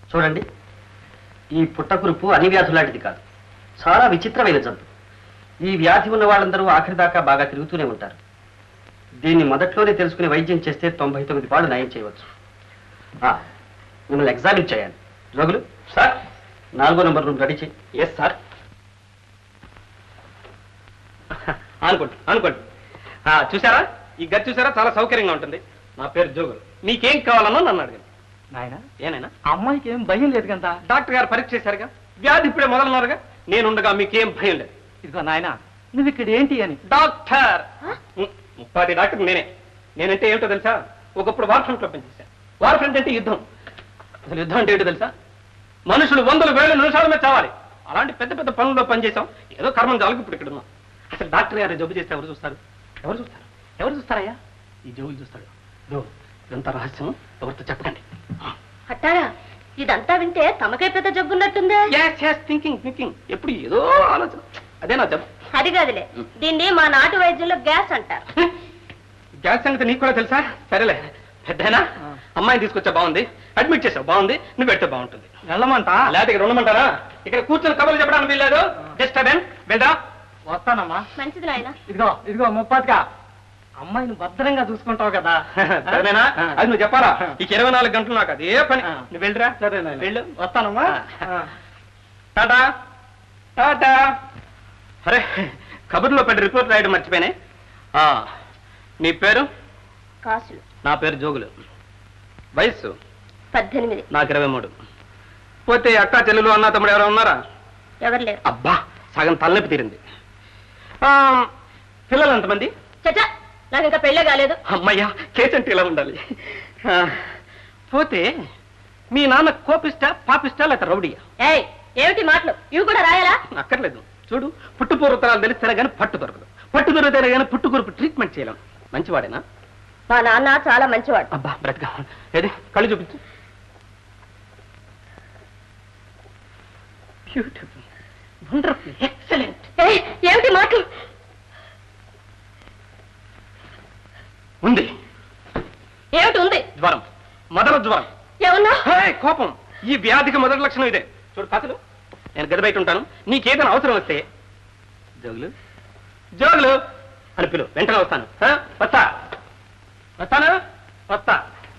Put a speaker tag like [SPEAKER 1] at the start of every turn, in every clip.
[SPEAKER 1] చూడండి, ఈ పుట్టకురుపు అన్ని వ్యాధులాంటిది కాదు, చాలా విచిత్రమైన జబ్బు. ఈ వ్యాధి ఉన్న వాళ్ళందరూ ఆఖరి దాకా బాగా తిరుగుతూనే ఉంటారు. దీన్ని మొదట్లోనే తెలుసుకుని వైద్యం చేస్తే 99 పాళ్ళు నయం చేయవచ్చు. మిమ్మల్ని ఎగ్జామిన్ చేయాలి. జోగులు సార్, 4వ నంబర్ రూమ్ రెడీ చేయి. Yes sir. అనుకోండి. చూసారా, ఈ గది చూసారా, చాలా సౌకర్యంగా ఉంటుంది. నా పేరు జోగులు. మీకేం కావాలన్నా నన్ను అడగండి. నాయనా, ఏనాయనా, అమ్మాయికి ఏం భయం లేదు కదా? డాక్టర్ గారు పరీక్ష చేశారుగా, వ్యాధి ఇప్పుడే మొదలన్నారుగా, నేనుండగా మీకేం భయం లేదు. ఇదిగో నాయనా, నువ్వు ఇక్కడ ఏంటి అని. డాక్టర్, ముప్పాది డాక్టర్ నేనంటే ఏమిటో తెలుసా? ఒకప్పుడు వార్ ఫ్రంట్ లో పనిచేశాను. వార్ ఫ్రంట్ అంటే యుద్ధం. అసలు యుద్ధం అంటే ఏంటో తెలుసా? మనుషులు 100,000 నిమిషాల మీద చావాలి. అలాంటి పెద్ద పెద్ద పనుల్లో పనిచేసాం. ఏదో కర్మం చాలకు ఇప్పుడు ఇక్కడ ఉన్నాం. అసలు డాక్టర్ గారు జబ్బు చేస్తే ఎవరు చూస్తారు? ఎవరు చూస్తారయ్యా? ఈ జోగులు చూస్తాడు. ఇదంతా రహస్యం, ఎవరితో చెప్పకండి.
[SPEAKER 2] అట్టారా, ఇదంతా వింటే తమకే పెద్ద జబ్బున్నట్టుందే.
[SPEAKER 1] థింకింగ్ ఎప్పుడు ఏదో ఆలోచన. అదే నా జబ్బు.
[SPEAKER 2] అది కాదులే, దీన్ని మా నాటు వైద్యంలో గ్యాస్ అంటారు.
[SPEAKER 1] గ్యాస్ సంగతి నీకు కూడా తెలుసా? సరేలే, పెద్దనా అమ్మాయిని తీసుకొచ్చా బాగుంది, అడ్మిట్ చేసావు బాగుంది, నువ్వు పెడితే బాగుంటుంది. వెళ్ళమంటా లేకపోతే ఇక్కడ ఉండమంటారా? ఇక్కడ కూర్చొని కబుర్లు చెప్పడానికి వీల్లేదు. జస్ట్ వెళ్ళరా. వస్తానమ్మా.
[SPEAKER 2] మంచిది నాయన.
[SPEAKER 1] ఇదిగో ముప్పాతిగా అమ్మాయిని భద్రంగా చూసుకుంటావు కదా. సరేనా? అది నువ్వు చెప్పాలా? ఇక 24 గంటలు నాకు అదే పని. నువ్వు వెళ్ళరా. సరే వెళ్ళు. వస్తానమ్మా. టాటా టాటా. అరే, కబుర్లో పెద్ద రిపోర్ట్ రాయడం మర్చిపోయినాయి. నీ పేరు?
[SPEAKER 2] కాసులు.
[SPEAKER 1] నా పేరు జోగులు. వయస్సు?
[SPEAKER 2] 18.
[SPEAKER 1] నాకు 23. పోతే అక్క చెల్లెలు అన్న తమ్ముడు ఎవరైనా ఉన్నారా?
[SPEAKER 2] ఎవరు లేరు.
[SPEAKER 1] అబ్బా, సగం తలనొప్పి తీరింది. పిల్లలు ఎంతమంది?
[SPEAKER 2] చచ్చా, నాకు ఇంకా పెళ్ళే కాలేదు.
[SPEAKER 1] అమ్మయ్యా, కేసంటే ఇలా ఉండాలి. పోతే మీ నాన్న కోపిస్టా, పాపిస్టా, లేక రౌడీయా?
[SPEAKER 2] ఏయ్, ఏమిటి మాటలు? ఇవి కూడా రాయాలా?
[SPEAKER 1] అక్కర్లేదు. చూడు, పుట్టుపూర్వతరాలు తెలిస్తేనే కానీ పట్టు దొరకదు. పట్టు దొరికితేనే కానీ పుట్టుకురుపు ట్రీట్మెంట్ చేయలేం. మంచివాడేనా?
[SPEAKER 2] మా నాన్న చాలా మంచివాడు.
[SPEAKER 1] అబ్బా, బ్రతక. ఏది, కళ్ళు చూపించు. Beautiful, wonderful, excellent.
[SPEAKER 2] ఏమిటి మాటలు?
[SPEAKER 1] ఉంది.
[SPEAKER 2] ఏమిటి ఉంది?
[SPEAKER 1] జ్వరం, మొదల జ్వరం.
[SPEAKER 2] ఏమన్నా?
[SPEAKER 1] కోపం. ఈ వ్యాధికి మొదటి లక్షణం ఇదే. చూడు కాసులు, నేను గది బయట ఉంటాను. నీకేదైనా అవసరం వస్తే జోగులు జోగులు అని పిలు, వెంటనే వస్తాను. వస్తా.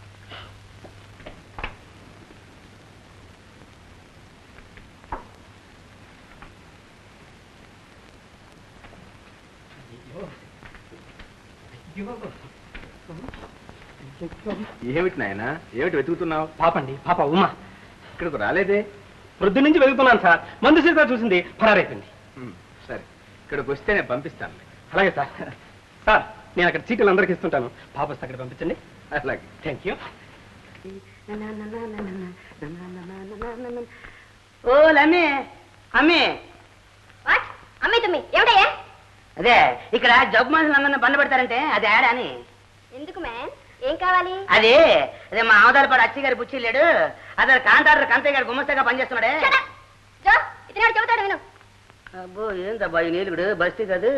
[SPEAKER 3] ఏమిటి నాయన, ఏమిటి వెతుకుతున్నావు?
[SPEAKER 1] పాపండి, పాప ఉమా.
[SPEAKER 3] ఇక్కడికి రాలేదే?
[SPEAKER 1] ప్రొద్దు నుంచి వెతుకుతున్నాను సార్. మందు సీతా చూసింది, పరారైపోయింది.
[SPEAKER 3] సరే, ఇక్కడికి వస్తే నేను పంపిస్తాను.
[SPEAKER 1] అలాగే సార్. సార్, నేను అక్కడ చీటీలు అందరికి ఇస్తుంటాను. పాప వస్తే అక్కడ పంపించండి.
[SPEAKER 3] అలాగే.
[SPEAKER 1] Thank you.
[SPEAKER 4] ఓ లమ్మి, అమ్మి.
[SPEAKER 2] అమ్మాయి తమ్మి, ఏమిటయ్యా?
[SPEAKER 4] అదే ఇక్కడ జబ్బు మనుషులు అందరిని బండ పెడతారంటే అది ఆడా అని.
[SPEAKER 2] ఎందుకు మ్యామ్, ఏం కావాలి?
[SPEAKER 4] అదే మా ఆవదాలపాడు అచ్చి గారి బుచ్చి లేడు, అతను కాంట్రాక్టర్ కంతయ్య గారు గుమస్తగా పనిచేస్తున్నాడే.
[SPEAKER 2] ఇతను చెబుతాడు విను.
[SPEAKER 4] అబ్బో, ఏందబ్బా ఈ నీలుగుడు బస్తీ కాదు.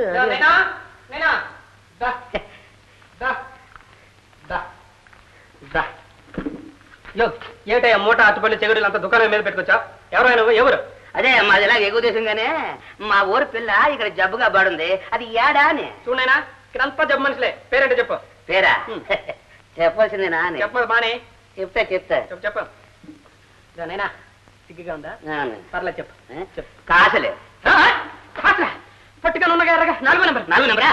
[SPEAKER 1] ఏమిటయ్యా మూట అట్టుపల్లి చెగుడులు అంత దుకాణం మీద పెట్టుకొచ్చా? ఎవరైనా ఎవరు?
[SPEAKER 4] అదే మాది ఇలా ఎగువ దేశంగానే మా ఊరు పిల్ల ఇక్కడ జబ్బుగా పడుంది, అది ఏడా అని.
[SPEAKER 1] చూడైనా ఇక్కడ అంతా జబ్బు మనుషులే. పేరేంటో చెప్పు.
[SPEAKER 4] పేరా? చెప్పాల్సిందేనా?
[SPEAKER 1] చెప్పదు మానే.
[SPEAKER 4] చెప్తా
[SPEAKER 1] చెప్పు. నైనా సిగ్గుగా ఉందా? పర్లేదు చెప్పు.
[SPEAKER 4] కాసలే
[SPEAKER 1] పట్టుకొని ఉండగా ఎర్రగా 4వ నెంబర్.
[SPEAKER 4] 4వ నెంబరా?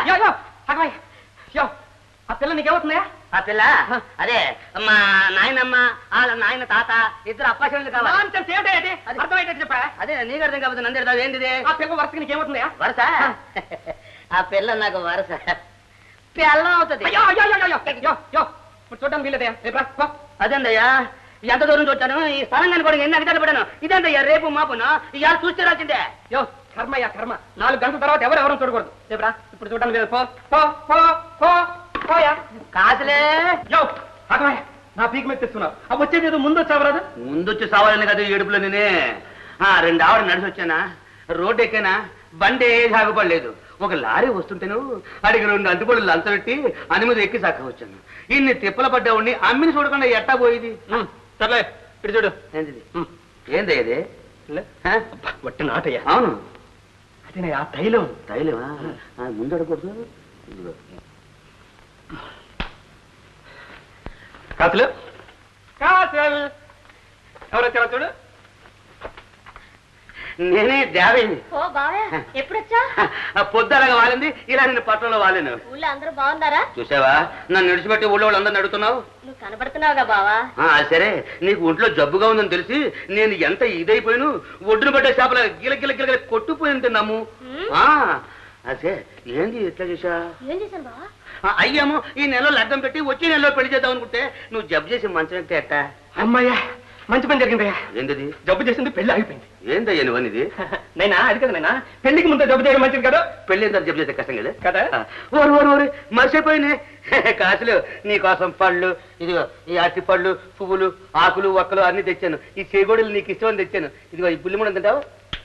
[SPEAKER 1] ఆ పిల్ల నీకేమవుతుందా?
[SPEAKER 4] ఆ పిల్ల అదే మా నాయనమ్మ వాళ్ళ నాయన తాత ఇద్దరు అప్పాశలు కావాలి.
[SPEAKER 1] అర్థమయ్యేటట్టు చెప్పా.
[SPEAKER 4] అదే నీకు అర్థం కాకపోతే నందేడతావు ఏంటిది?
[SPEAKER 1] ఆ పిల్ల వరుసకి నీకేమవుతుందా?
[SPEAKER 4] వరుస? ఆ పిల్ల నాకు వరుస పిల్లం అవుతుంది.
[SPEAKER 1] చూడడానికి వీలేదే.
[SPEAKER 4] అదేందయ్యా, ఎంత దూరం చూచాను, ఈ స్థలంగా కూడా ఎన్ని అధికారులు పడాను. ఇదేందయ్యా రేపు మాపును ఇవాళ చూస్తే రాల్సిందే.
[SPEAKER 1] కర్మయ్యా కర్మ. 4 గంటల తర్వాత ఎవరెవరూ చూడకూడదు. రేపురా, ఇప్పుడు చూడడానికి లేదు.
[SPEAKER 4] కాసులే
[SPEAKER 1] నా పీక్ మీద తెస్తున్నావు. అవి వచ్చేది ఏదో ముందు వచ్చావరాదు.
[SPEAKER 4] ముందొచ్చి సావాలని కదా ఏడుపులో నేనే 2 ఆవిడ నడిచి వచ్చానా, రోడ్డు ఎక్కానా, బండి సాగుపడలేదు. ఒక లారీ వస్తుంటేను అడిగి 2 అంటుపళ్ళు లంచబెట్టి అని మీద ఎక్కి సాక్క వచ్చాను. ఇన్ని తిప్పల పడ్డా ఉండి అమ్మిని చూడకుండా ఎట్టా పోయింది.
[SPEAKER 1] సర్లే, ఇటు చూడు.
[SPEAKER 4] ఏంటిది ఏంది ఇది
[SPEAKER 1] లే.
[SPEAKER 4] హ?
[SPEAKER 1] అబ్బా, వట్టి నాటయ్యా.
[SPEAKER 4] అవును
[SPEAKER 1] అదేనయ్యా తైలం.
[SPEAKER 4] తైలమా ముందు అడగకూడదు ఇదిగో.
[SPEAKER 1] కాసులు కాసులు ఎవరు వచ్చారో చూడు.
[SPEAKER 4] నేనే దేవేని
[SPEAKER 2] ఓ బావయ్య ఎప్పుడొచ్చా?
[SPEAKER 4] పొద్దులాగా వాలింది ఇలా నేను పట్టణంలో వాలేను.
[SPEAKER 2] ఊళ్ళో అందరూ బాగున్నారా?
[SPEAKER 4] చూసావా నన్ను నడిచిపెట్టి ఊళ్ళో వాళ్ళందరూ నడుతున్నావు.
[SPEAKER 2] నువ్వు కనబడుతున్నావుగా బావా.
[SPEAKER 4] సరే నీకు ఒంట్లో జబ్బుగా ఉందని తెలిసి నేను ఎంత ఇదైపోయాను ఒడ్డును పట్టే చేపల గిల గిల గిల గిల కొట్టుపోయింది తిన్నాము. అదే ఏంది ఎట్లా చేసా?
[SPEAKER 2] ఏం చేశాను బావా?
[SPEAKER 4] అయ్యాము ఈ నెలలో లగ్గం పెట్టి వచ్చే నెలలో పెళ్లి చేద్దాం అనుకుంటే నువ్వు జబ్బు చేసి మంచం ఎక్కితే ఎట్టా?
[SPEAKER 1] అమ్మాయ్యా మంచి పని జరిగిందయ్యా.
[SPEAKER 4] ఏంటది?
[SPEAKER 1] జబ్బు చేసింది పెళ్లి ఆగిపోయింది.
[SPEAKER 4] ఏందయ్యా నువ్వనిది?
[SPEAKER 1] నైనా అది కదా నైనా పెళ్లికి ముందు జబ్బు చేయడం మంచిది కదా.
[SPEAKER 4] పెళ్లి ఎంత జబ్బు చేస్తే కష్టం కదా
[SPEAKER 1] కదా.
[SPEAKER 4] ఓరు ఓరు ఓరు మర్చిపోయినే కాసులు నీకోసం పళ్ళు ఇదిగో ఈ అరటి పళ్ళు పువ్వులు ఆకులు ఒక్కలు అన్ని తెచ్చాను. ఈ చేగోడలు నీకు ఇష్టమని తెచ్చాను. ఇదిగో ఈ పుల్లిముండ తింటావు.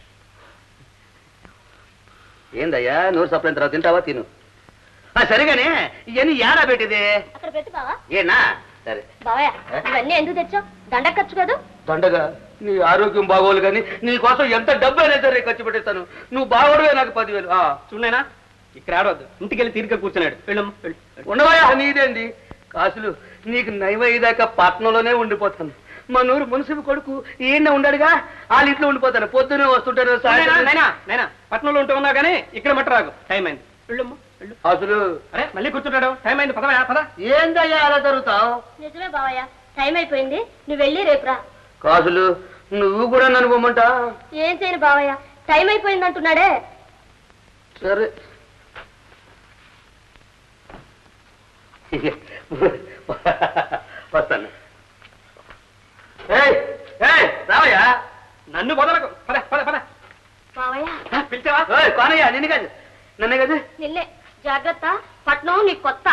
[SPEAKER 4] ఏందయ్యా నోరు సప్లైన తర్వాత తింటావా? తిను. సరిగానే ఇవన్నీ ఏడా పెట్టిదే?
[SPEAKER 2] అక్కడ పెట్టు బావా.
[SPEAKER 4] ఏనా సరే.
[SPEAKER 2] బావయ్య ఇవన్నీ ఎందుకు తెచ్చావు? దండ ఖర్చు కదా.
[SPEAKER 4] దండగా నీ ఆరోగ్యం బాగోలు కానీ నీ కోసం ఎంత డబ్బు అయినా సరే ఖర్చు పెట్టేస్తాను. నువ్వు బాగోడవే నాకు 10,000.
[SPEAKER 1] చూడైనా ఇక్కడ ఆడవద్దు. ఇంటికి వెళ్ళి తీరిక కూర్చున్నాడు. వెళ్ళమ్మా వెళ్ళు.
[SPEAKER 4] ఉండవయా నీదేంది కాసులు నీకు నయమయ్యేదాకా పట్నంలోనే ఉండిపోతాను. మా నూరు మున్సిపల్ కొడుకు ఈయన ఉండాడుగా వాళ్ళ ఇంట్లో ఉండిపోతాను. పొద్దునే వస్తుంటారు సాయంత్రం.
[SPEAKER 1] నైనా పట్నంలో ఉంటూ ఉన్నావు కానీ ఇక్కడ మట్ట రాకు. టైం అయింది. వెళ్ళమ్మా వెళ్ళు.
[SPEAKER 4] అసలు
[SPEAKER 1] అరే మళ్ళీ కూర్చుంటాడు. టైం అయింది. పదవా పద.
[SPEAKER 4] ఏందయ్యా అలా జరుగుతావు?
[SPEAKER 2] నిజమే బావయ్య టైం అయిపోయింది. నువ్వు వెళ్ళి రేపు రా.
[SPEAKER 4] కాసులు నువ్వు కూడా నన్ను పోమంటా?
[SPEAKER 2] ఏం చేయను బావయ్య టైం అయిపోయింది అంటున్నాడే.
[SPEAKER 4] సరే వస్తాను. రావయ్యా
[SPEAKER 1] నన్ను వదలకు. పద పద పద.
[SPEAKER 2] బావయ్య
[SPEAKER 1] పిలిచావా?
[SPEAKER 4] కానయ్యా నిన్ను కాదు నన్నే కాదు.
[SPEAKER 2] నిన్నే జాగ్రత్త. పట్నం నీకు కొత్త.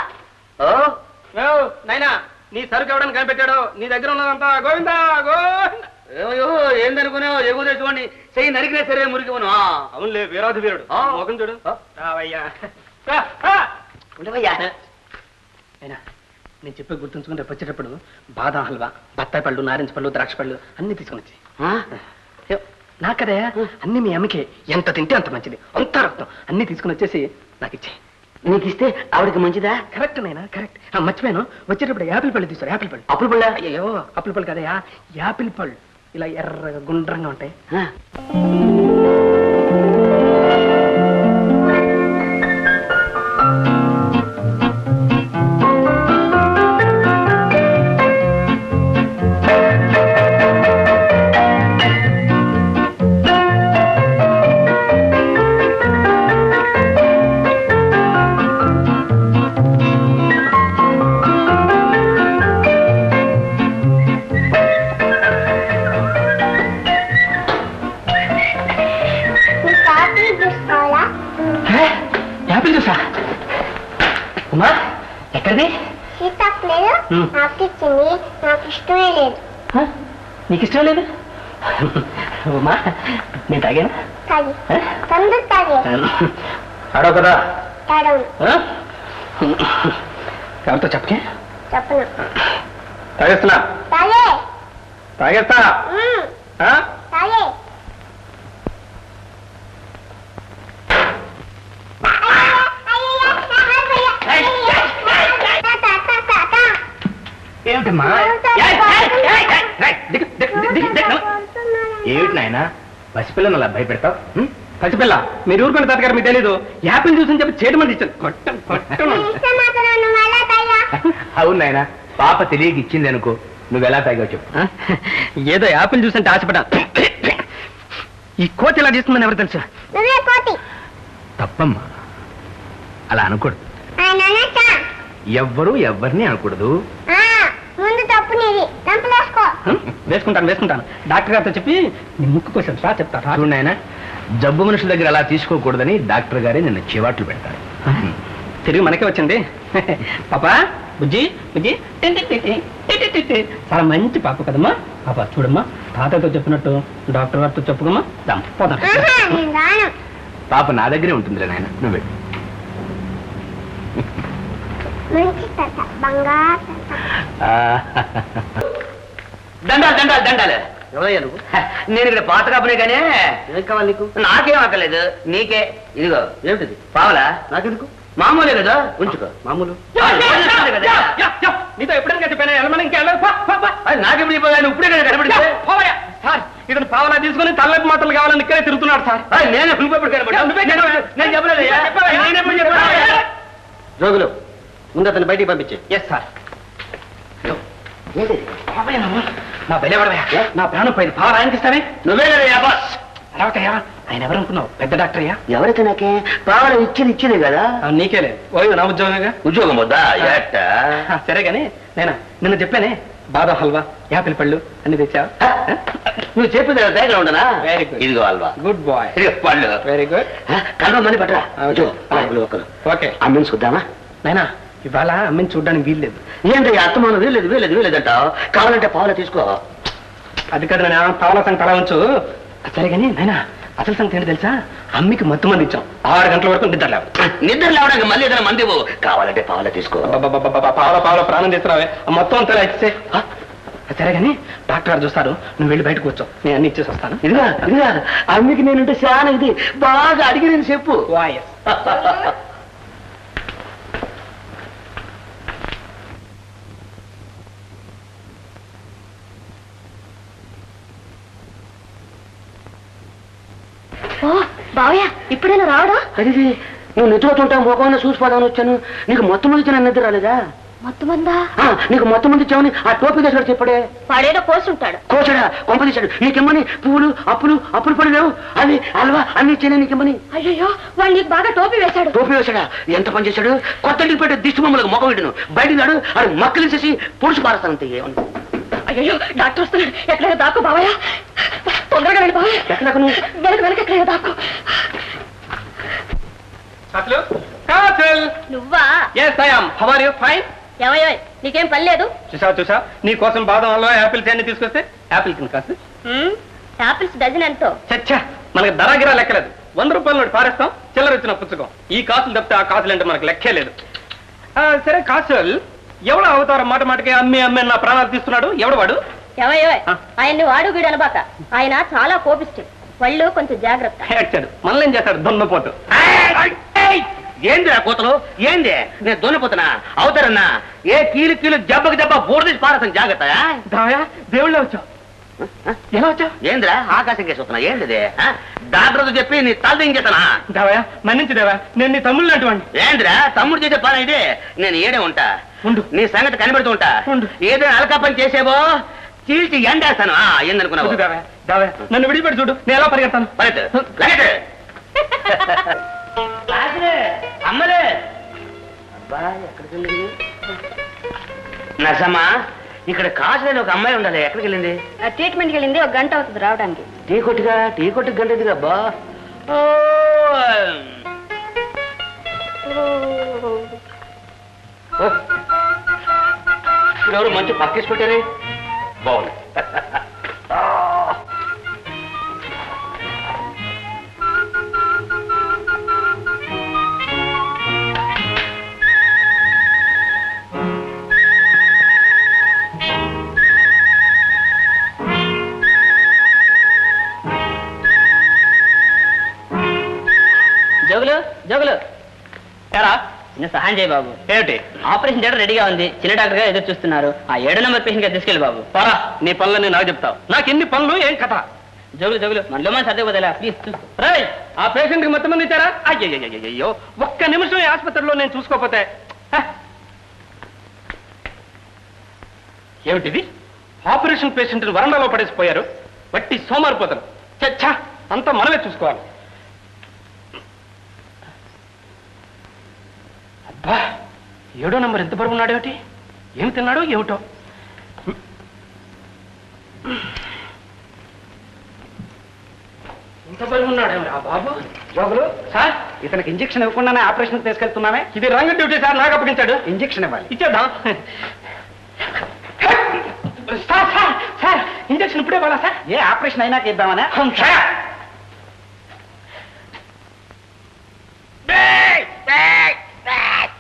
[SPEAKER 1] నైనా నీ సరుకు ఎవడని కనిపెట్టాడు? నీ దగ్గర ఉన్నదంతా గోవిందా గోవిందా.
[SPEAKER 4] ఏమయ్యో ఏందనుకున్నావు? ఎగువ తెచ్చుకోండి చెయ్యి నరికినా సరే మురికివను.
[SPEAKER 1] అవునులే వీరాధి వీరుడు. మొఖం చూడు. రావయ్యా.
[SPEAKER 4] ఉండవయ్యా.
[SPEAKER 1] అయినా నేను చెప్పే గుర్తుంచుకుని రేపు వచ్చేటప్పుడు బాదం హల్వా, బత్తాయి పళ్ళు, నారింజ పళ్ళు, ద్రాక్ష పళ్ళు అన్ని తీసుకుని వచ్చి. నాకదే అన్ని మీ అమ్మకే ఎంత తింటే అంత మంచిది. అంత రక్తం అన్ని తీసుకుని వచ్చేసి నాకు ఇచ్చే.
[SPEAKER 4] నీకు ఇస్తే ఆవిడకి మంచిదా?
[SPEAKER 1] కరెక్ట్ నైనా కరెక్ట్. మర్చిపోయాను వచ్చేటప్పుడు యాపిల్ పళ్ళు తీసుకోరు. యాపిల్ పళ్ళు.
[SPEAKER 4] అప్పులు పళ్ళ?
[SPEAKER 1] అయ్యో అప్పుల పళ్ళు కదయా యాపిల్ పళ్ళు. ఇలా ఎర్రగా గుండ్రంగా ఉంటాయి. యాపిల్ జ్యూసా? ఉమా ఎక్కడిది?
[SPEAKER 5] నాకు ఇచ్చింది. నాకు ఇష్టమే లేదు.
[SPEAKER 1] నీకు ఇష్టం లేదు? ఉమా నేను తాగాను.
[SPEAKER 5] తాగి తొందర తాగే.
[SPEAKER 1] ఆడవు కదా?
[SPEAKER 5] తాడవు.
[SPEAKER 1] ఎవరితో చెప్పకే?
[SPEAKER 5] చెప్పను.
[SPEAKER 1] తాగేస్తున్నా.
[SPEAKER 5] తాగే.
[SPEAKER 1] తాగేస్తా.
[SPEAKER 5] తాగే.
[SPEAKER 1] ఏమిటమ్మా? ఏమిటి నాయన పసిపిల్లను అలా భయపెడతావు? పసిపిల్ల మీరు ఊరుకున్న తాతగారు మీకు తెలీదు. యాపిల్ జ్యూస్ అని చెప్పి చేయడం ఇచ్చాను.
[SPEAKER 3] అవును నాయన పాప తెలియక ఇచ్చింది అనుకో. నువ్వు ఎలా తాగావు చెప్పు.
[SPEAKER 1] ఏదో యాపిల్ జ్యూస్ అంటే ఆశపడా. ఈ కోతి ఎలా చేస్తుందని ఎవరు తెలుసు?
[SPEAKER 5] నువ్వే కోతి.
[SPEAKER 3] తప్పమ్మా అలా అనకూడదు. ఎవ్వరూ ఎవరిని అనకూడదు.
[SPEAKER 5] ముందు తప్పు నీది. తంపలేసుకో.
[SPEAKER 1] వేసుకుంటాను. డాక్టర్ గారితో చెప్పి నీ ముక్కు కోసం రా చెప్తా.
[SPEAKER 3] చూడు నాయన జబ్బు మనుషుల దగ్గర అలా తీసుకోకూడదని డాక్టర్ గారే నిన్న చివాట్లు పెడతారు.
[SPEAKER 1] తిరిగి మనకే వచ్చింది. పాపా బుజ్జి బుజ్జి చాలా మంచి పాప కదమ్మా. పాప చూడమ్మా తాతతో చెప్పినట్టు డాక్టర్ గారితో చెప్పుకోమ్మా. పోదాం.
[SPEAKER 3] పాప నా దగ్గరే ఉంటుంది నాయన నువ్వు వెళ్ళు.
[SPEAKER 5] మంచి తాత బంగారు తాత.
[SPEAKER 4] దండాలు దండాలు దండాలు.
[SPEAKER 1] ఎవరయ్యా నువ్వు?
[SPEAKER 4] నేను ఇక్కడ పాత కాపునే కానీ
[SPEAKER 1] ఏం కావాలి నీకు?
[SPEAKER 4] నాకేం అక్కర్లేదు, నీకే. ఇదిగో
[SPEAKER 1] ఏమిటిది?
[SPEAKER 4] పావలా
[SPEAKER 1] నాకెందుకు?
[SPEAKER 4] మామూలే కదా, ఉంచుకో.
[SPEAKER 1] మామూలు.
[SPEAKER 4] కదా.
[SPEAKER 1] నీతో ఎప్పుడైనా చెప్పాను వెళ్ళమని ఇంకా వెళ్ళదు.
[SPEAKER 4] అది నాకెప్పుడు చెప్పాను, ఇప్పుడే కదా కనబడితే.
[SPEAKER 1] సార్ ఇతను పావలా తీసుకుని తల్లపు మాటలు కావాలని ఇక్కడే తిరుగుతున్నాడు సార్.
[SPEAKER 4] నేను నువ్వెప్పుడు కనబడ్డా? నేను చెప్పలేదయ్యా. నేనెప్పుడు చెప్పాను?
[SPEAKER 1] జోగులు ముందు అతను బయటికి పంపించే. Yes sir. నా బయలువడవయ్యా, నా ప్రాణం పోయింది. పావలా ఆయనకి ఇస్తానే.
[SPEAKER 4] నువ్వే కదా బాస్.
[SPEAKER 1] అరవకయ్యా, ఆయన ఎవరు అనుకున్నావు? పెద్ద డాక్టర్ అయ్యా.
[SPEAKER 4] ఎవరైతే నాకే పావలా ఇచ్చింది కదా.
[SPEAKER 1] నీకే లేదు ఓయ్, నా ఉద్యోగంగా.
[SPEAKER 4] ఉద్యోగం వద్దా?
[SPEAKER 1] సరే గాని నేనా నిన్న చెప్పానే, బాదం హల్వా, యాపిల్ పళ్ళు అన్ని తెచ్చావు.
[SPEAKER 4] నువ్వు చెప్పేది దగ్గర ఉండనా?
[SPEAKER 1] Very good.
[SPEAKER 4] ఇదిగో హల్వా,
[SPEAKER 1] గుడ్ బాయ్.
[SPEAKER 4] ఇదిగో పళ్ళు.
[SPEAKER 1] Very good.
[SPEAKER 4] కలవ మంది పట్టరా.
[SPEAKER 1] ఓకే
[SPEAKER 4] అమ్మని చూద్దామా?
[SPEAKER 1] నైనా ఇవాళ అమ్మని చూడడానికి వీల్లేదు.
[SPEAKER 4] ఏంటి అత్తమాను వీలేదంటావు? కావాలంటే పావులా తీసుకో.
[SPEAKER 1] అది కదా నేను పావుల సంగతి అలా ఉంచు. సరే కానీ నైనా అసలు సంగతి ఏంటి తెలుసా? అమ్మికి మత్తు మంది ఇచ్చాం. 6 గంటల వరకు నిద్ర లేవు.
[SPEAKER 4] నిద్ర లేవడానికి మళ్ళీ ఏదైనా మంది ఇవ్వు. కావాలంటే పావులా తీసుకో.
[SPEAKER 1] పావుల ప్రాణం తీసుకురావే, మొత్తం అంతా ఇచ్చే. సరే కానీ డాక్టర్ గారు చూస్తారు, నువ్వు వెళ్ళి బయటకు వచ్చావు, నేను అన్ని ఇచ్చేసి వస్తాను.
[SPEAKER 4] ఇదిగా అమ్మికి నేనుంటే చాలా ఇది బాగా అడిగి నేను చెప్పు.
[SPEAKER 1] వాయస్.
[SPEAKER 2] ఓ బావయ్య, ఇప్పుడైనా రావడా?
[SPEAKER 4] అది నువ్వు నిద్రపోతుంటా మోకమైన చూసిపోదామని వచ్చాను. నీకు మొత్తం మంది ఇచ్చిన నిద్ర రాలేదా?
[SPEAKER 2] మొత్తం మందా?
[SPEAKER 4] నీకు మొత్తం మంది ఇచ్చామని ఆ టోపీ దశ చెప్పడే.
[SPEAKER 2] వాడేదో కోసుంటాడు.
[SPEAKER 4] కోసాడా? కొంప తీశాడు. నీకెమ్మని పువ్వులు అప్పులు పడిలేవు, అవి అల్వా అన్ని ఇచ్చానే నీకెమ్మని.
[SPEAKER 2] అయ్యో, వాడు నీకు బాగా టోపీ వేశాడు.
[SPEAKER 4] టోపీ వేశాడా? ఎంత పని చేశాడు? కొత్త ఇంటికి పెట్టే దిష్టి బొమ్మలకు మొక్క పెట్టాను. బయటికి నాడు అది మక్కలేసేసి పొడుచు పారేస్తానంతే. ఏమని?
[SPEAKER 2] అయ్యో, డాక్టర్ వస్తున్నాడు. ఎక్కడైనా దాక్కు బావయ్య, తొందరగా వెళ్ళి బావయ్య.
[SPEAKER 4] ఎక్కడ నువ్వు?
[SPEAKER 2] వెనక ఎక్కడైనా దాక్కు. నువ్వా?
[SPEAKER 1] Yes, I am. How are you? Fine.
[SPEAKER 2] ఏమయ్యో, నీకేం పని లేదు?
[SPEAKER 1] చూసా నీ కోసం బాదం హల్వా, యాపిల్స్ అన్ని తీసుకొస్తే యాపిల్ కింద కాస్త
[SPEAKER 2] యాపిల్స్ డజన్ ఎంతో?
[SPEAKER 1] చచ్చా, మనకి ధరాగిరా లెక్కలేదు. 100 రూపాయల నోటి పారేస్తాం, చిల్లర ఇచ్చిన పుచ్చుకం. ఈ కాసులు తప్పితే ఆ కాసులు అంటే మనకు లెక్కే లేదు. సరే కాసులు, ఎవడో అవతారం మాటకి అమ్మి నా ప్రాణాలు తీస్తున్నాడు. ఎవడు వాడు?
[SPEAKER 2] ఏమయ్యో, ఆయన్ని వాడు వీడు అనబాక. ఆయన చాలా కోపిష్టి. వాళ్ళు కొంచెం జాగ్రత్త.
[SPEAKER 1] ఏడ్చాడు, మనల్ని ఏం చేస్తాడు? దొన్నపోతు.
[SPEAKER 4] ఏంది ఆ కూతలు? ఏంది? నేను దొన్నిపోతున్నా అవుతారన్నా? ఏ కీలు జబ్బకు బోర్డేసి పారేస్తాను. జాగ్రత్త.
[SPEAKER 1] దాయా, దేవుళ్ళ వచ్చావు. ఎలా వచ్చావు?
[SPEAKER 4] ఏందిరా ఆకాశం కేసు వస్తున్నా? ఏంటిది? డాక్టర్తో చెప్పి నీ తల దించేస్తానా?
[SPEAKER 1] దేవయా, మన్నించి దేవా, నేను నీ తమ్ముళ్ళు అటువంటి.
[SPEAKER 4] ఏంద్రా తమ్ముడు చేసే పని ఇది? నేను ఏడే ఉంటా,
[SPEAKER 1] ఉండు.
[SPEAKER 4] నీ సంగతి కనిపెడుతూ ఉంటా. ఏదైనా అలకా పని చేసేవో చీల్చి ఎండేస్తాను. ఏందనుకున్నావు?
[SPEAKER 1] దేవయా, నన్ను విడిపెట్టి చూడు, నేను ఎలా పరిగెత్తాను.
[SPEAKER 4] అమ్మలే ఎక్కడికి వెళ్ళింది? నర్సమ్మా, ఇక్కడ కాసులేని ఒక అమ్మాయి ఉండాలి. ఎక్కడికి వెళ్ళింది?
[SPEAKER 2] ట్రీట్మెంట్కి వెళ్ళింది. 1 గంట అవుతుంది రావడానికి.
[SPEAKER 4] టీ కొట్టుకు గంట ఎదిగా అబ్బా. ఎవరు మంచి పక్కేసి పెట్టారే? బాగుంది.
[SPEAKER 3] జోగులు ఎరా చిన్న సహాయం చేయి బాబు.
[SPEAKER 1] ఏమిటి?
[SPEAKER 3] ఆపరేషన్ థియేటర్ రెడీగా ఉంది. చిన్న డాక్టర్ గారు ఎదురు చూస్తున్నారు. ఆ 7 నెంబర్ పేషెంట్ గా తీసుకెళ్ళి బాబు.
[SPEAKER 1] పోరా, నీ పనులని నాకు చెప్తావు. నాకు ఎన్ని పనులు, ఏం కథ?
[SPEAKER 3] జోగులు మనలో మన సర్దే వదిలే ప్లీజ్.
[SPEAKER 1] రేయ్, ఆ పేషెంట్ కి మొత్తం మంది ఇచ్చారా? అయ్యో, ఒక్క నిమిషం ఈ ఆసుపత్రిలో నేను చూసుకోకపోతే. ఏమిటిది? ఆపరేషన్ పేషెంట్ వరండాలో పడేసిపోయారు. వట్టి సోమారిపోతారు. చచ్చా, అంతా మనమే చూసుకోవాలి. అబ్బా, 7వ నంబర్ ఎంత బరువు ఉన్నాడు? ఏమిటి, ఏమి తిన్నాడో ఏమిటో. ఎంత బరువు ఉన్నాడు బాబు?
[SPEAKER 3] జోగులు సార్, ఇతనికి ఇంజక్షన్ ఇవ్వకుండానే ఆపరేషన్ తీసుకెళ్తున్నామే.
[SPEAKER 1] ఇది రంగు డ్యూటీ సార్, నాకు అప్పగించాడు.
[SPEAKER 3] ఇంజక్షన్ ఇవ్వాలి.
[SPEAKER 1] ఇచ్చేద్దాం. సార్ ఇంజక్షన్ ఇప్పుడే ఇవ్వాలా సార్?
[SPEAKER 3] ఏ ఆపరేషన్ అయినాక ఇద్దామనే.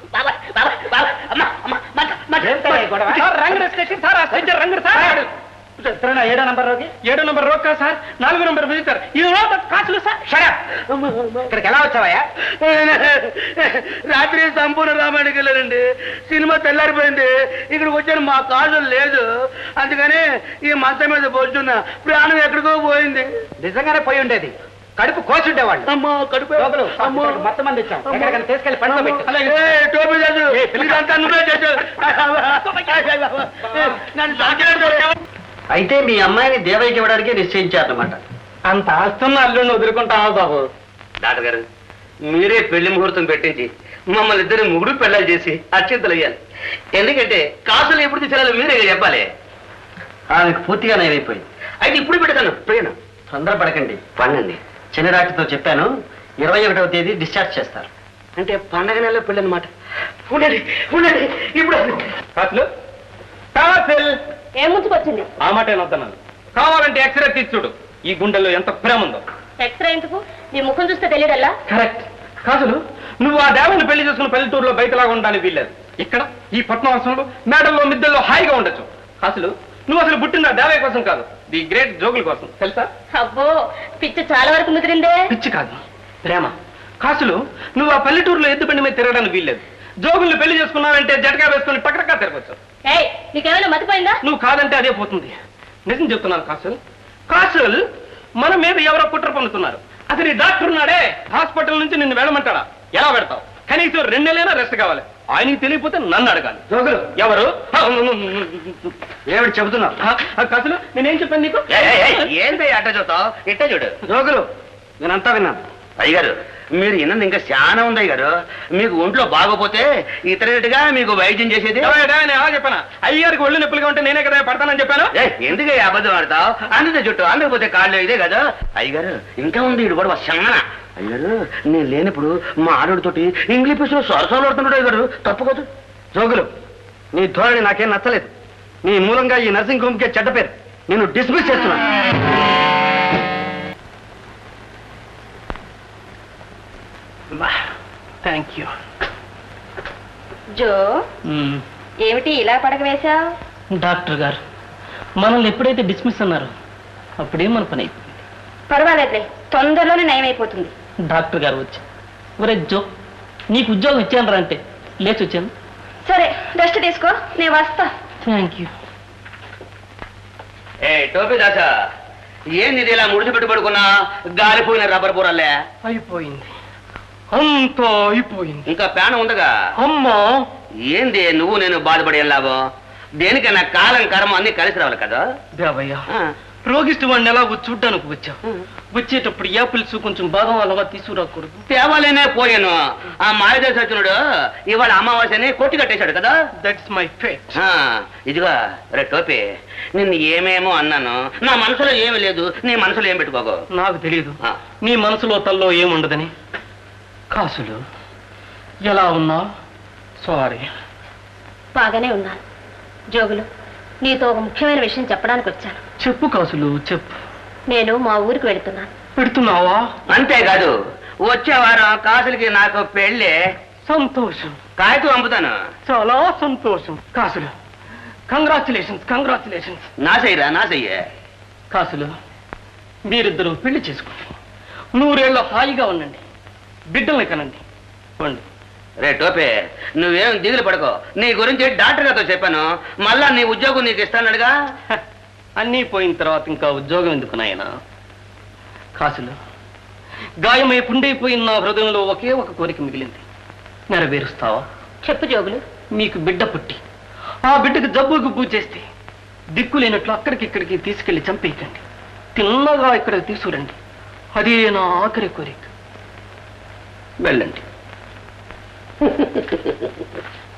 [SPEAKER 1] రంగు రంగు సార్. ఏడో నంబర్ రోగి? 7వ నంబర్ రోగ్ కాదు సార్, 4వ నంబర్ విజిటర్. కాసులు సార్.
[SPEAKER 3] ఇక్కడికి ఎలా వచ్చావయ్యా?
[SPEAKER 4] రాత్రి సంపూర్ణ రామాయణకి వెళ్ళారండి. సినిమా తెల్లారిపోయింది. ఇక్కడికి వచ్చాను, మా కాజులు లేదు. అందుకని ఈ మంచం మీద పోతున్నా. ప్రాణం ఎక్కడికో పోయింది.
[SPEAKER 3] నిజంగానే పోయి ఉండేది. కడుపు కోసుండేవాళ్ళు.
[SPEAKER 4] అమ్మా కడుపు.
[SPEAKER 3] అమ్మో, మొత్తం మంది ఇచ్చాం. ఎక్కడికైనా తీసుకెళ్లి పండుగ పెట్టు.
[SPEAKER 4] టోపీ చేసు. ఇదంతా నువ్వే చేసావు. నన్ను సాకినట్టు.
[SPEAKER 1] అయితే మీ అమ్మాయిని దేవయ్యకి ఇవ్వడానికి నిశ్చయించారన్నమాట. అంత ఆస్తున్న అల్లుడిని వదులుకుంటావా బాబు?
[SPEAKER 4] డాక్టర్ గారు, మీరే పెళ్లి ముహూర్తం పెట్టించి మమ్మల్ని ఇద్దరు ముగుడు పెళ్ళాలు చేసి అత్యంతలు అయ్యాలి. ఎందుకంటే కాసులు ఎప్పుడు తీసేయాలో మీరే చెప్పాలి.
[SPEAKER 1] ఆమెకు పూర్తిగా నయమైపోయింది.
[SPEAKER 4] అయితే ఇప్పుడు పెడతాను. ప్రియను
[SPEAKER 1] తొందరపడకండి.
[SPEAKER 4] పండండి.
[SPEAKER 1] చిన్న డాక్టర్తో చెప్పాను, 21వ తేదీ డిశ్చార్జ్ చేస్తారు.
[SPEAKER 4] అంటే పండగ నెలలో పెళ్ళి అనమాట. ఉండండి ఉండండి. ఇప్పుడు
[SPEAKER 1] కాసులు కాసులు
[SPEAKER 2] ఏం ముంచుకొచ్చింది?
[SPEAKER 1] ఆ మాట ఏమవుతున్నాను. కావాలంటే ఎక్స్రే తీసి చూడు, ఈ గుండెల్లో ఎంత ప్రేమ ఉందో.
[SPEAKER 2] ఎక్స్రే ఎందుకు? నీ ముఖం చూస్తే తెలియడల్లా.
[SPEAKER 1] కరెక్ట్. కాసులు, నువ్వు ఆ దేవని పెళ్లి చేసుకున్న పల్లెటూరులో బయటలాగా ఉండడానికి వీల్లేదు. ఇక్కడ ఈ పట్నవాసంలో మేడల్లో మిద్దెల్లో హాయిగా ఉండొచ్చు. కాసులు, నువ్వు అసలు పుట్టిన దేవయ్య కోసం కాదు, ది గ్రేట్ జోగుల కోసం, తెలుసా?
[SPEAKER 2] అబ్బో, పిచ్చి చాలా వరకు ముదిరిందే.
[SPEAKER 1] పిచ్చి కాదు, ప్రేమ. కాసులు, నువ్వు ఆ పల్లెటూరులో ఎద్దు బండి మీద తిరగడానికి వీల్లేదు. జోగుల్ని పెళ్లి చేసుకున్నావంటే జటకా వేసుకుని టక్టక్కా తిరగచ్చు.
[SPEAKER 2] ఏయ్, నీకేమైనా మతిపోయిందా?
[SPEAKER 1] నువ్వు కాదంటే అదే పోతుంది. నిజం చెప్తున్నాను కాసుల్. కాసుల్, మన మీద ఎవరో కుట్ర పన్నుతున్నారు. అతని డాక్టర్ ఉన్నాడే, హాస్పిటల్ నుంచి నిన్ను వెళ్ళమంటాడా? ఎలా పెడతావు? కనీసం 2 నెలలైనా రెస్ట్ కావాలి. ఆయనకి తెలియకపోతే నన్ను అడగాలి.
[SPEAKER 3] జోగులు,
[SPEAKER 1] ఎవరు?
[SPEAKER 3] ఏమిటి చెబుతున్నావు?
[SPEAKER 1] కాసులు, నేనేం చెప్పాను నీకు?
[SPEAKER 4] ఏంటి అట్ట చూస్తావు? ఇట్ట చూడు.
[SPEAKER 3] జోగులు, నేనంతా విన్నాను.
[SPEAKER 4] అయ్యగారు, మీరు ఇన్నది ఇంకా చాలా ఉంది అయ్యగారు. మీకు ఒంట్లో బాగోపోతే ఇతరుగా మీకు వైద్యం చేసేది.
[SPEAKER 1] నేను ఎలా చెప్పానా? అయ్యారికి ఒళ్ళు నొప్పులుగా ఉంటే నేనే కదా పడతానని చెప్పాను.
[SPEAKER 4] ఎందుకు అబద్ధం ఆడతావు? అందుకే చుట్టూ అందకపోతే కాళ్ళు ఇదే కదా. అయ్యగారు, ఇంకా ఉంది ఇడు కూడా చాలా. అయ్యారు, నేను లేనప్పుడు మా ఆడోడితోటి ఇంగ్లీష్ లో సరసాలు ఆడుతున్నాడు అయ్యగారు. తప్పుకోదు.
[SPEAKER 3] జోగులు, నీ ధోరణి నాకేం నచ్చలేదు. నీ మూలంగా ఈ నర్సింగ్ హోమ్కే చెడ్డ పేరు. నేను డిస్మిస్ చేస్తున్నాను.
[SPEAKER 1] Thank you.
[SPEAKER 2] జో, ఏమిటి ఇలా పడక వేశావు?
[SPEAKER 1] డాక్టర్ గారు మనల్ని ఎప్పుడైతే డిస్మిస్ అన్నారో అప్పుడే మన పని అయిపోయింది.
[SPEAKER 2] పర్వాలేదులే, తొందరలోనే నయమైపోతుంది.
[SPEAKER 1] డాక్టర్ గారు వచ్చి, ఒరే జో, నీకు ఉద్యోగం ఇచ్చాను రా అంటే లేచి వచ్చాను.
[SPEAKER 2] సరే, రెస్ట్ తీసుకో, నేను వస్తా.
[SPEAKER 1] Thank you.
[SPEAKER 4] ఏ టోపీ దాసా, ఏంది ఇది ఇలా ముడిచి పెట్టి పడుకున్నా? గాలిపోయిన రబ్బర్ పూరల్లే.
[SPEAKER 1] అయిపోయింది, అంతా అయిపోయింది.
[SPEAKER 4] ఇంకా ప్యాన్ ఉందగా.
[SPEAKER 1] అమ్మా,
[SPEAKER 4] ఏంది నువ్వు నేను బాధపడే లాభం? దేనికన్నా కాలం కర్మ అన్ని కలిసి రావాలి కదా.
[SPEAKER 1] దేవయ్య, రోగిష్టి వాడిని ఎలా చూడ్డానికి వచ్చావు? వచ్చేటప్పుడు యాపిల్స్ కొంచెం బాదం అలాగా తీసుకురాకూడదు?
[SPEAKER 4] తేవాలేనే పోయాను. ఆ మాయదేశ వచ్చినాడు ఇవాళ అమావాస్యని కొట్టి కట్టేశాడు కదా.
[SPEAKER 1] That's my fate.
[SPEAKER 4] ఇదిగో రే టోపీ, నిన్ను ఏమేమో అన్నాను. నా మనసులో ఏమీ లేదు, నీ మనసులో ఏం పెట్టుకోకు.
[SPEAKER 1] నాకు తెలియదు నీ మనసులో తల్లో ఏముండదని. కాసులు, ఎలా ఉన్నా? సారీ.
[SPEAKER 2] బాగానే ఉన్నాను. జోగులు, నీతో ఒక ముఖ్యమైన విషయం చెప్పడానికి వచ్చాను.
[SPEAKER 1] చెప్పు కాసులు, చెప్పు.
[SPEAKER 2] నేను మా ఊరికి వెళుతున్నాను.
[SPEAKER 1] పెడుతున్నావా?
[SPEAKER 4] అంతేకాదు, వచ్చే వారం కాసులకి నాకు పెళ్ళి.
[SPEAKER 1] సంతోషం.
[SPEAKER 4] కాగితం పంపుతాను.
[SPEAKER 1] చాలా సంతోషం. కాసులు, కంగ్రాచులేషన్స్, కంగ్రాచులేషన్స్.
[SPEAKER 4] నా చెయ్యరా, నా చెయ్యే.
[SPEAKER 1] కాసులు, మీరిద్దరూ పెళ్లి చేసుకోండి, 100 ఏళ్ళ హాయిగా ఉండండి, బిడ్డల్ని కనండి. పండి.
[SPEAKER 4] రే టోపే, నువ్వేం దిగులు పడుకో. నీ గురించి డాక్టర్ గారితో చెప్పాను. మళ్ళా నీ ఉద్యోగం నీకు ఇస్తానడుగా.
[SPEAKER 1] అన్నీ పోయిన తర్వాత ఇంకా ఉద్యోగం ఎందుకు నాయనా? కాసులు, గాయమై పుండైపోయిన నా హృదయంలో ఒకే ఒక కోరిక మిగిలింది. నెరవేరుస్తావా?
[SPEAKER 2] చెప్పు జోగులు.
[SPEAKER 1] మీకు బిడ్డ పుట్టి ఆ బిడ్డకు జబ్బు గుబ్బు చేస్తే దిక్కులేనట్లు అక్కడికిక్కడికి తీసుకెళ్లి చంపేయకండి, తిన్నగా ఇక్కడికి తీసుకురండి. అదే నా ఆఖరి కోరిక. వెళ్ళండి.